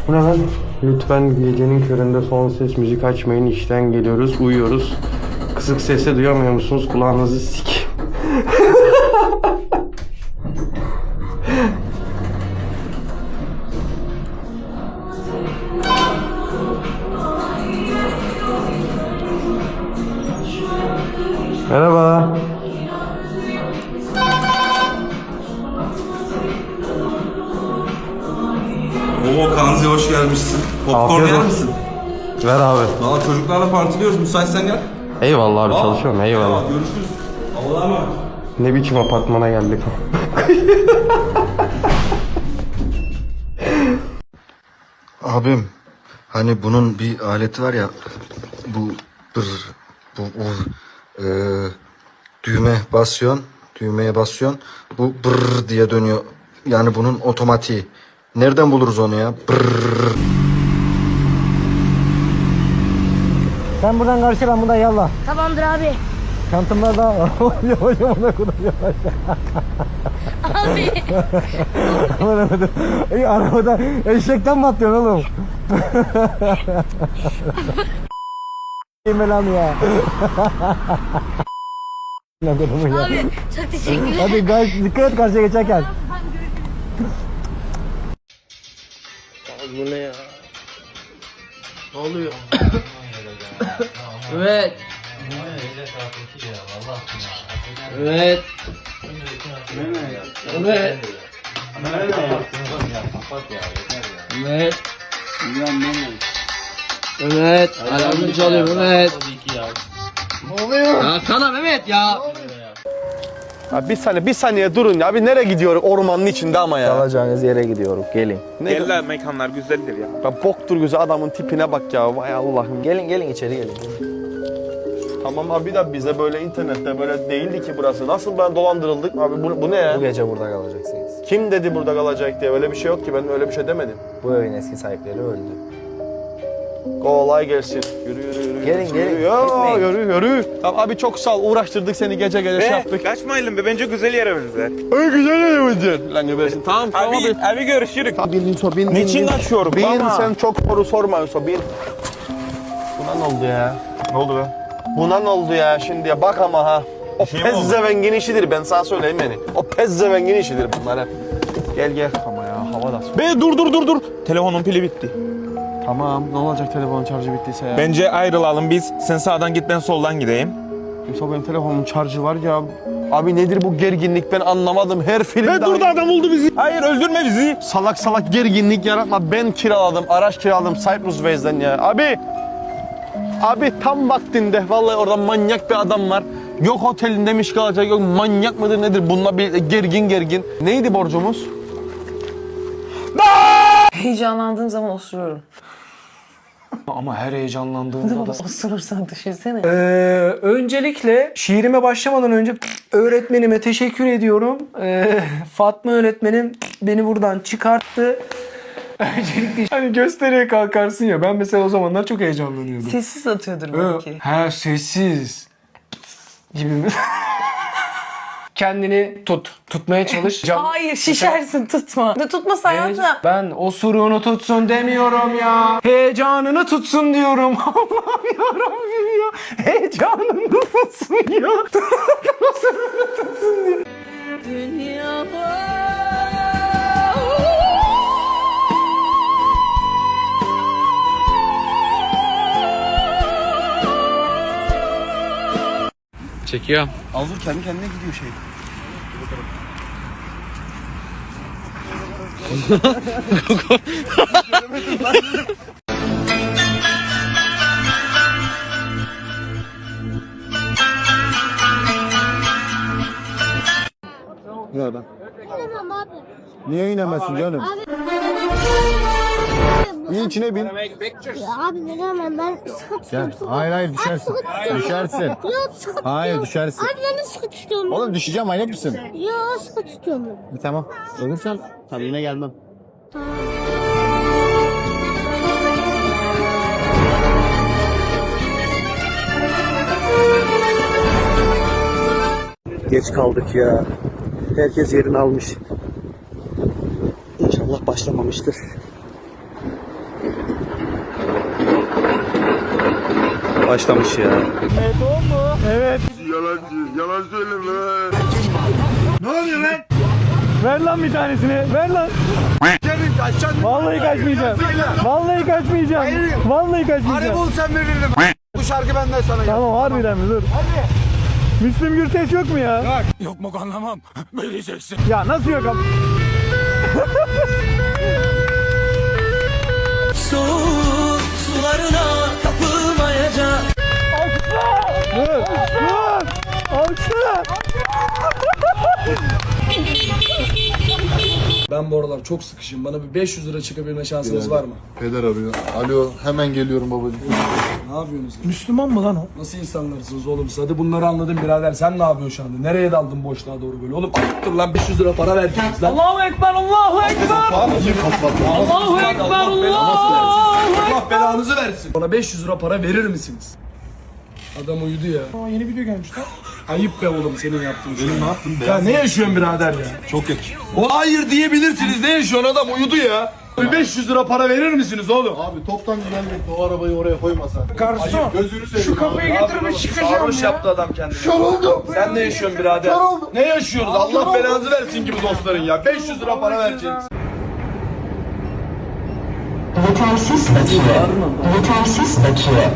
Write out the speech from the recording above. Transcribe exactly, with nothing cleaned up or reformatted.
Bu ne lan? Lütfen gecenin köründe son ses müzik açmayın. İşten geliyoruz, uyuyoruz. Kısık sesle duyamıyor musunuz? Kulağınızı sik. Merhaba. Oo Kanzi hoş gelmişsin. Popcorn Afiyet yer olsun. misin? Ver abi. Valla çocuklarla partiliyoruz. Müsaitsen gel. Eyvallah abi, Aa, çalışıyorum. Eyvallah. Tamam, görüşürüz. Allah'a emanet. Ne biçim apartmana geldik. Abim, hani bunun bir aleti var ya, bu bır, bu, bu e, düğme basıyorsun, düğmeye basıyorsun, bu bır diye dönüyor. Yani bunun otomatiği. Nereden buluruz onu ya? Brrr. Sen buradan karşı, ben buradan yallah. Tamamdır abi. Çantamlar da yavaş yavaş ona kadar yavaş. Abi. Ey arabada eşekten mi atlıyorsun oğlum? Yemelam ya. Abi çok teşekkürler. Hadi guys, dikkat et karşıya geçerken. Bu ne ya? Ne oluyor? Evet. Evet. Evet. Evet. Evet. Alarmı çalıyor Mehmet. Ne oluyor? Ya sana Mehmet ya. Ya bir saniye, bir saniye durun ya. Bir nereye gidiyoruz ormanın içinde ama ya. Kalacağınız yere gidiyoruz. Gelin. Ne Eller mekanlar güzeldir ya. ya boktur güzel adamın tipine bak ya. Vay Allah'ım. Gelin gelin içeri gelin. Tamam abi de bize böyle internette böyle değildi ki burası. Nasıl ben dolandırıldık abi? Bu, bu ne ya? Bu gece burada kalacaksınız. Kim dedi burada kalacak diye? Öyle bir şey yok ki. Ben öyle bir şey demedim. Bu evin eski sahipleri öldü. Kolay gelsin. Yürü yürü yürü. Gelin, yürü, gelin. Yürü ya, Gitmeyin. yürü yürü. Tamam abi çok sağ ol. Uğraştırdık seni gece gece şey Be, yaptık. kaçmayalım be, bence güzel yere benzer. Ay güzel yerimizdir. Lan göbersin. Tamam tamam Abi, abi. abi görüşürüz. Bin Yusuf bin. Niçin bin, bin. kaçıyorum Bin baba? sen çok soru sorma Yusuf bin. Buna ne oldu ya? Ne oldu be? Buna ne oldu ya şimdi ya bak ama ha. O şey mi oldu? pezzevengin işidir ben sana söyleyeyim yani. O pezzevengin işidir bunlar hep. Gel gel ama ya hava da soğuk. Be dur dur dur dur. Telefonun pili bitti. Tamam ne olacak telefonun şarjı bittiyse ya. Bence ayrılalım biz. Sen sağdan git, ben soldan gideyim. Yoksa benim telefonumun şarjı var ya. Abi nedir bu gerginlik ben anlamadım her filmde. Be dur da adam oldu bizi. Hayır öldürme bizi. Salak salak gerginlik yaratma. Ben kiraladım, araç kiraladım Cyprus Waze'den ya. Abi, abi tam vaktinde vallahi orada manyak bir adam var. Yok otelinde miş kalacak, yok manyak mıdır nedir bununla bir gergin gergin. Neydi borcumuz? Heyecanlandığım zaman osuruyorum. Ama her heyecanlandığımda da... Osurursan düşünsene. Ee, öncelikle şiirime başlamadan önce öğretmenime teşekkür ediyorum. Ee, Fatma öğretmenim beni buradan çıkarttı. Öncelikle hani gösteriye kalkarsın ya, ben mesela o zamanlar çok heyecanlanıyordum. Sessiz atıyordur Ee, belki. He sessiz gibi mi? Kendini tut. Tutmaya çalış. Cam- Hayır şişersin, tutma. Ne tutmasa hayatım. Ben osuruğunu tutsun demiyorum ya. Heyecanını tutsun diyorum. Allah'ım yarabbim ya. Heyecanını tutsun ya. Osuruğunu tutsun diyor. Çekiyor. Aldır kendi kendine gidiyor şey. Nereden? İnemem abi. Niye inemezsin canım? İn içine bin. Ya abi neden ben sıkı tutuyorum. Gel. Hayır hayır düşersin. Düşersin. Yok sıkı tutuyorum. Hayır düşersin. Abi ben de sıkı tutuyorum. Oğlum düşeceğim manyak mısın? Yok sıkı tutuyorum. Bir tamam. Ölürsen tabii yine gelmem. Geç kaldık ya. Herkes yerini almış. İnşallah başlamamıştır. başlamış ya. Evet. Yalancı, yalan söyleme. Ver lan bir tanesini. Ver lan. Vallahi kaçmayacağım. Vallahi kaçmayacağım. Vallahi kaçmayacağım. Bul sen veririm. Bu şarkı benden sana gel. Tamam harbiden mi? Dur. Müslüm Gürses yok mu ya? Yok. Yok mu anlamam. Vereceksin. Ya nasıl yok abi? Soğuk sularına kapılmayacak. Dur. Dur. Alçı. Ben bu aralar çok sıkışım. Bana bir beş yüz lira çıkabilme şansınız var mı? Peder arıyor. Alo, hemen geliyorum babacığım. Ne yapıyorsunuz? Müslüman mı lan o? Nasıl insanlarsınız oğlum? siz? Hadi bunları anladım birader. Sen ne yapıyorsun şu anda? Nereye daldın boşluğa doğru böyle? Oğlum ayıptır lan beş yüz lira para verdiniz lan. Allahu Ekber, Allahu Ekber. Allahu Ekber, Allah belanızı versin. Bana beş yüz lira para verir misiniz? Adam uyudu ya. Aa, yeni video gelmiş lan. Ayıp be oğlum senin yaptığın şey. Ne yaptın be? Ya ne yaşıyorsun birader ya? Çok yakışıyor. O hayır diyebilirsiniz. Ne yaşıyorsun adam uyudu ya. Bir beş yüz lira para verir misiniz oğlum? Abi toptan güzellikle o arabayı oraya koymasan. Garson. Gözünü seveyim. Şu kapıyı getirmiş çıkacağım Sarhoş ya. yaptı adam kendini. Kör oldum. Sen ne yaşıyorsun birader? Kör oldum. Ne yaşıyoruz? Allah belanızı versin gibi dostların ya. beş yüz lira para vereceksiniz. Yetersiz bakiye. Yetersiz bakiye.